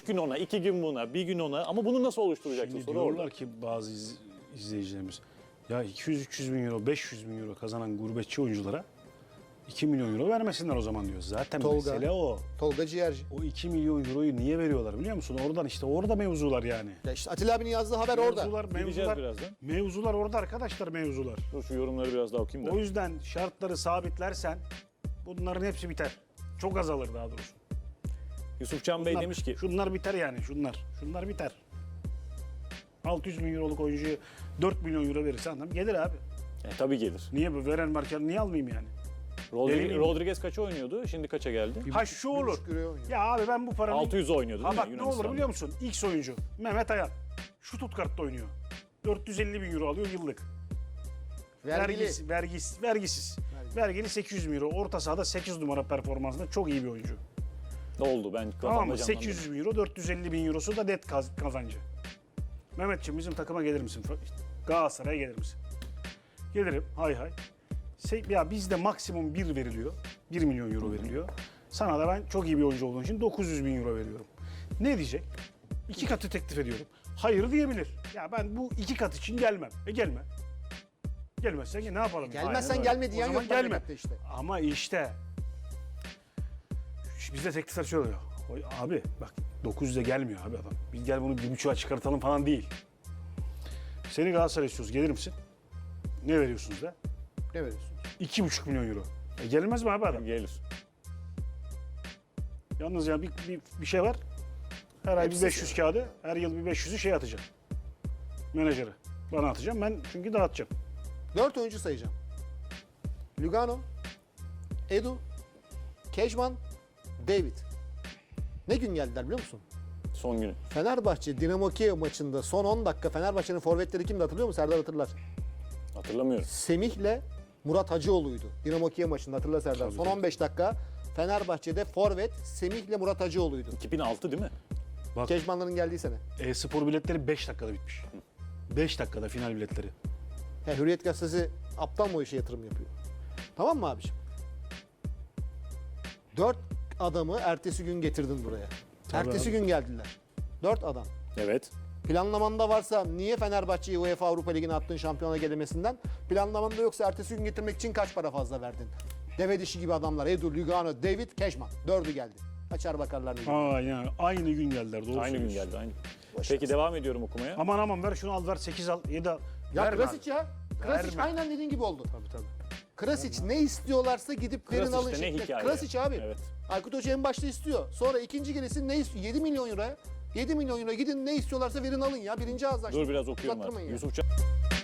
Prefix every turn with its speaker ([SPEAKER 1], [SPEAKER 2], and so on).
[SPEAKER 1] gün ona, 2 gün buna, bir gün ona. Ama bunu nasıl oluşturacaksın?
[SPEAKER 2] Şimdi
[SPEAKER 1] Soru
[SPEAKER 2] diyorlar
[SPEAKER 1] orada.
[SPEAKER 2] ki bazı izleyicilerimiz ya 200-300 bin euro, 500 bin euro kazanan gurbetçi oyunculara 2 milyon euro vermesinler o zaman diyor. Zaten
[SPEAKER 3] Tolga.
[SPEAKER 2] mesele o.
[SPEAKER 3] Tolga Ciğerci.
[SPEAKER 2] O 2 milyon euroyu niye veriyorlar biliyor musun? Oradan işte orada mevzular yani.
[SPEAKER 3] Ya işte Atilla abinin yazdığı haber orada.
[SPEAKER 1] Gideceğiz birazdan.
[SPEAKER 2] Mevzular orada arkadaşlar mevzular.
[SPEAKER 1] Dur şu yorumları biraz daha okuyayım da.
[SPEAKER 2] O yüzden şartları sabitlersen bunların hepsi biter. Çok azalır daha doğrusu.
[SPEAKER 1] Yusufcan Bey
[SPEAKER 2] Bunlar-
[SPEAKER 1] demiş ki
[SPEAKER 2] Şunlar biter yani şunlar. Şunlar biter. 600 bin euroluk oyuncuya 4 milyon euro verirsen adam gelir abi.
[SPEAKER 1] tabii gelir.
[SPEAKER 2] Niye bu veren varken niye almayayım yani? Deli miyim?
[SPEAKER 1] Rodriguez kaça oynuyordu? Şimdi kaça geldi?
[SPEAKER 2] Ha şu olur.
[SPEAKER 3] buçuk euroya oynuyor.
[SPEAKER 2] Ya abi ben bu paranın...
[SPEAKER 1] 600 oynuyordu değil
[SPEAKER 2] Ha
[SPEAKER 1] mi
[SPEAKER 2] bak ne olur biliyor musun? X oyuncu Mehmet Ayan. Şu Stuttgart'ta oynuyor. 450 bin euro alıyor yıllık.
[SPEAKER 3] Vergili.
[SPEAKER 2] Vergisiz. Vergili 800 bin euro. Orta sahada 8 numara performansında çok iyi bir oyuncu.
[SPEAKER 1] Ne oldu? Ben
[SPEAKER 2] Tamam
[SPEAKER 1] kafamda
[SPEAKER 2] mı?
[SPEAKER 1] canlandı.
[SPEAKER 2] 800 bin euro, 450 bin eurosu da net kazancı. Mehmetciğim bizim takıma gelir misin? Galatasaray'a gelir misin? Gelirim. Hay hay. Ya bizde maksimum 1 veriliyor. 1 milyon euro veriliyor. Sana da ben çok iyi bir oyuncu olduğun için 900 bin euro veriyorum. Ne diyecek? 2 katı teklif ediyorum. Hayır diyebilir. Ya ben bu 2 kat için gelmem. Gelme. Gelmezsen ne yapalım?
[SPEAKER 3] Gelmezsen
[SPEAKER 1] Aynen
[SPEAKER 3] gelme
[SPEAKER 1] öyle.
[SPEAKER 3] diyen
[SPEAKER 2] O
[SPEAKER 3] yok.
[SPEAKER 2] zaman gelme.
[SPEAKER 3] memlekette işte.
[SPEAKER 2] Ama işte bizde teklifler şöyle oluyor. Abi bak 900'e gelmiyor abi adam. Biz gel bunu 1,5'a çıkartalım falan değil. Seni Galatasaray istiyoruz. Gelir misin? Ne veriyorsunuz da?
[SPEAKER 3] Ne veriyorsun?
[SPEAKER 2] 2,5 milyon euro. Gelmez mi abi adam?
[SPEAKER 1] Gelir.
[SPEAKER 2] Yalnız ya bir şey var. Her ay bir
[SPEAKER 3] Hepsi
[SPEAKER 2] 500 kağıdı, her yıl bir 500'ü şey atacağım. Menajere. Bana atacağım. Ben çünkü dağıtacağım.
[SPEAKER 3] 4 oyuncu sayacağım. Lugano, Edu, Kejman, David. Ne gün geldiler biliyor musun?
[SPEAKER 1] Son günü.
[SPEAKER 3] Fenerbahçe Dinamo Kiev maçında son 10 dakika Fenerbahçe'nin forvetleri kimdi hatırlıyor musun? Serdar hatırlar.
[SPEAKER 1] Hatırlamıyorum.
[SPEAKER 3] Semih'le Murat Hacıoğlu'ydu. Dinamo Kiev maçında hatırla Serdar.
[SPEAKER 2] Tabii,
[SPEAKER 3] son
[SPEAKER 2] tabii.
[SPEAKER 3] 15 dakika Fenerbahçe'de forvet Semih'le Murat Hacıoğlu'ydu.
[SPEAKER 1] 2006 değil mi?
[SPEAKER 2] Bak
[SPEAKER 3] Kejmanların geldiği sene.
[SPEAKER 2] e-spor biletleri 5 dakikada bitmiş. 5 dakikada final biletleri.
[SPEAKER 3] Hürriyet Gazetesi aptal mı o işe yatırım yapıyor? Tamam mı abiciğim? 4 adamı ertesi gün getirdin buraya.
[SPEAKER 2] Tabii
[SPEAKER 3] ertesi
[SPEAKER 2] abi.
[SPEAKER 3] gün geldiler. 4 adam.
[SPEAKER 1] Evet.
[SPEAKER 3] Planlamanda varsa niye Fenerbahçe'yi UEFA Avrupa Ligi'ne attın şampiyona gelemesinden? Planlamanda yoksa ertesi gün getirmek için kaç para fazla verdin? Deve dişi gibi adamlar. Edu, Lugano, David, Kejman. 4'ü geldi. Açar bakarlar ne gibi.
[SPEAKER 2] Aynen. Aynı gün geldiler. Doğru
[SPEAKER 1] Aynı gün
[SPEAKER 2] söylüyorsun.
[SPEAKER 1] geldi. Aynı.
[SPEAKER 3] Boş
[SPEAKER 1] Peki
[SPEAKER 3] ver.
[SPEAKER 1] devam ediyorum okumaya.
[SPEAKER 2] Aman ver şunu al ver 8 al 7 al.
[SPEAKER 3] Ya
[SPEAKER 2] Verme
[SPEAKER 3] Krasic
[SPEAKER 2] abi.
[SPEAKER 3] ya. Krasic
[SPEAKER 2] Verme.
[SPEAKER 3] aynen dediğin gibi oldu.
[SPEAKER 2] Tabii.
[SPEAKER 3] Krasic ne istiyorlarsa gidip verin
[SPEAKER 1] Krasic
[SPEAKER 3] alın
[SPEAKER 1] de ne
[SPEAKER 3] şeklinde.
[SPEAKER 1] hikaye.
[SPEAKER 3] Krasic abi.
[SPEAKER 1] Evet.
[SPEAKER 3] Aykut Hoca en başta istiyor. Sonra ikinci gelesi ne istiyor? 7 milyon euroya. 7 milyon euro gidin ne istiyorlarsa verin alın ya. Birinci ağızdan.
[SPEAKER 1] Dur biraz okuyorum
[SPEAKER 3] Uzattırmayın
[SPEAKER 1] artık.
[SPEAKER 3] ya.
[SPEAKER 1] Yusufcan